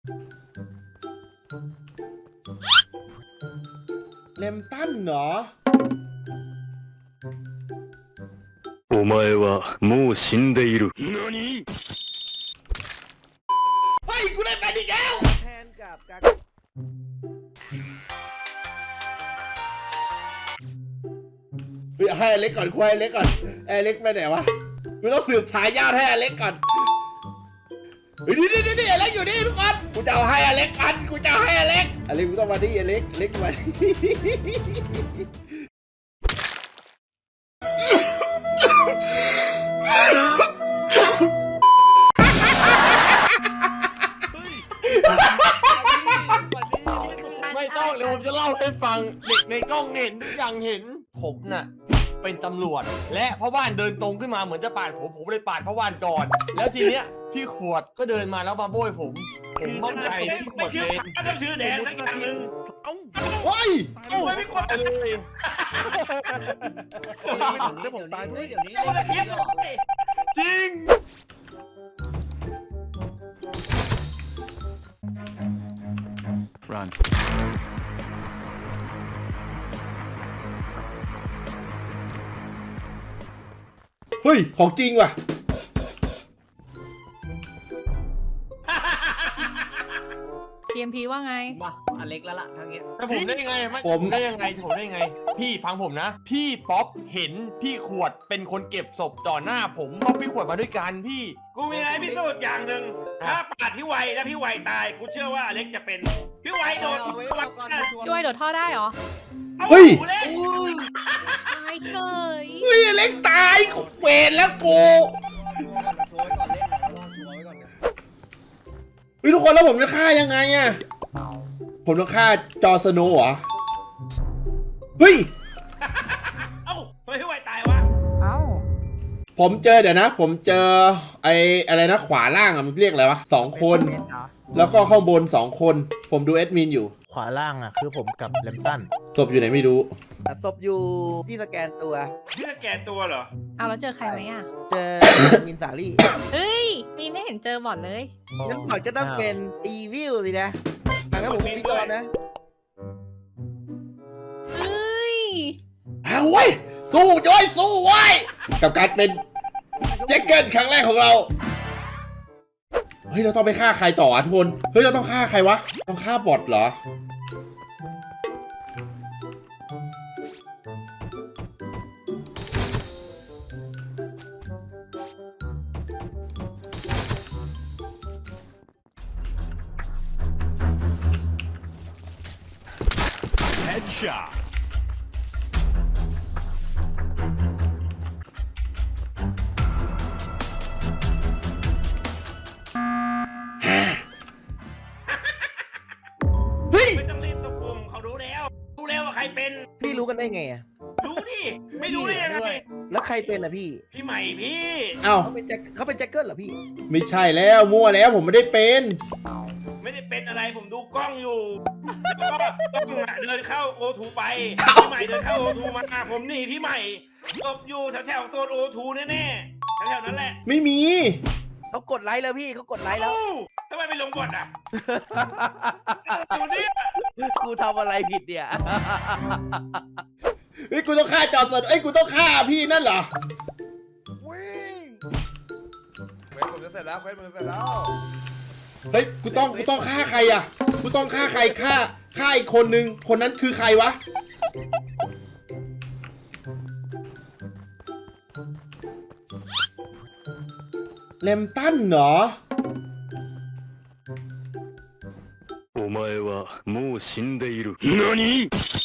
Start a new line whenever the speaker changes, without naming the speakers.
เลมตันเหรอ
お前はもう死んでいる。何？
เฮ้ยกูได้ไปอีกแล้ว
แทนกับกา
เฮ้ยให้อเล็กก่อนคุยอเล็กก่อนอเล็กไปไหนวะกูต้องสืบทายาทให้อเล็กก่อนเฮ้ยนี่อเล็กอยู่นี่ทุกคนกูจะเอาให้อเล็กกันกูจะเอาให้อเล็กกูต้องมาดิอเล็กมาดิ
ไม่ต้องเดี๋ยวผมจะเล่าให้ฟังเด็กในกล้องเห็นทุกอย่างเห็นผมน่ะเป็นตำรวจและพ่อบ้านเดินตรงขึ้นมาเหมือนจะปาดผมเลยปาดพ่อบ้านก่อนแล้วทีเนี้ยพี่ขวดก็เดินมาแล้วมาโบยผมมั่นใจพี่ขวดเป็น
ก็ต้องชื่อแดนสักอย่างหนึ่ง
เฮ้ย
ไม่ไม่กด
เลย
เดี๋ยวผมตายด้วยเดี๋ยวนี้
ไม่กดเทียบเลย
จริง
Run.
เฮ้ยของจริงว่ะ
TMP ว่าไง
มาอเล็กแล้วล่ะทางเนี้ย
แต่ผมได้ยังไงไม่ผมได้ยังไงพี่ฟังผมนะ พี่ป๊อปเห็นพี่ขวดเป็นคนเก็บศพต่อหน้าผมเพราะพี่ขวดมาด้วยกันพี่
กูมีอะไรพิสูจน์อย่างหนึ่งถ้าปาดพี่ไวแล้วพี่ไวตายกูเชื่อว่าอเล็กจะเป็นพี่ไวโดน
เอาไว้
พี่ไว
เอาก่อน
พี่ไวโดดท่อได้เหรอ
เฮ้ย
เล่น
ตายเฉย
เฮ้ยอเล็กตายเวรแล้วกู
โชว์ไว้ก่อนเล่นนะลองโชว์ไว้ก่อนเนี่ย
เฮ้ยทุกคนแล้วผมจะฆ่ายังไงอะผมต้องฆ่าจอร์สโนว์เหรอเฮ้ย
เอ้าทำไมพี่ไวตายวะ
เอ้า
ผมเจอเดี๋ยวนะ ผมเจอไอ้อะไรนะขวาล่างอะมันเรียกอะไรวะ2 คน แล้วก็ข้างบน2 คน ผมดูแอดมินอยู่
ขวาล่างอ่ะคือผมกับแลมตัน
ศพอยู่ไหนไม่รู้
ศพอยู่ที่สแกนตัว
พี่สแกนตัวเหรอ
เอาแล้วเจอใครไหมอ่ะ
เจอมินสาลี่
เฮ้ย มีไม่เห็นเจอบอดเลย
งั้นก่อนจะต้องเป็นอีวิลสินะงั้นผมพิจารณานะ
เฮ้ย
เอาเว้ยสู้จ้อยสู้ไว้ยกับการเป็นแจ็คเกิลครั้งแรกของเรา เฮ้ยเราต้องไปฆ่าใครต่อทุกคนเฮ้ยเราต้องฆ่าใครวะ ต้องฆ่าบอทเหรอ
Headshot.
เฮ้ย
ไม่ต้องรีบตะปุ่มเขารู้แล้วว่าใครเป็น
พี่รู้กันได้ไงอะ
รู้ดิไม่รู้ได้ยังไง
แล้วใครเป็นอะพี่
พี่ใหม่พี่
เอ้า
เขาเป็นแจ็คเกิลเหรอพี่
ไม่ใช่แล้วมั่วแล้วผมไม่ได้เป็น
ไม่ได้เป็นอะไรผมดูกล้องอยู่แล้วก็กล้องอะเดินเข้าโอทูไปพี่ใหม่เดินเข้าโอทูมาผมหนีพี่ใหม่ตบอยู่แถวโซนโอทูแน่ๆแถวๆนั้นแหละ
ไม่มี
เขากดไลค์แล้วพี่เขากดไลค์แล้ว
เอ้าทำไมไปลงบทอ่ะอยู่นี่
กูทำอะไรผิดเนี่ย
เฮ้ยกูต้องฆ่าจอร์สโนว์เอ้ยกูต้องฆ่าพี่นั่นเหรอ
วิ่งเควสผมจะเสร็จแล้วเควสผมจะเสร็จแล้ว
เฮ้ยกูต้องฆ่าใครอ่ะกูต้องฆ่าใครฆ่าอีกคนนึงคนนั้นคือใครวะเลมตันเหรอ
お前はもう死んでいる。何？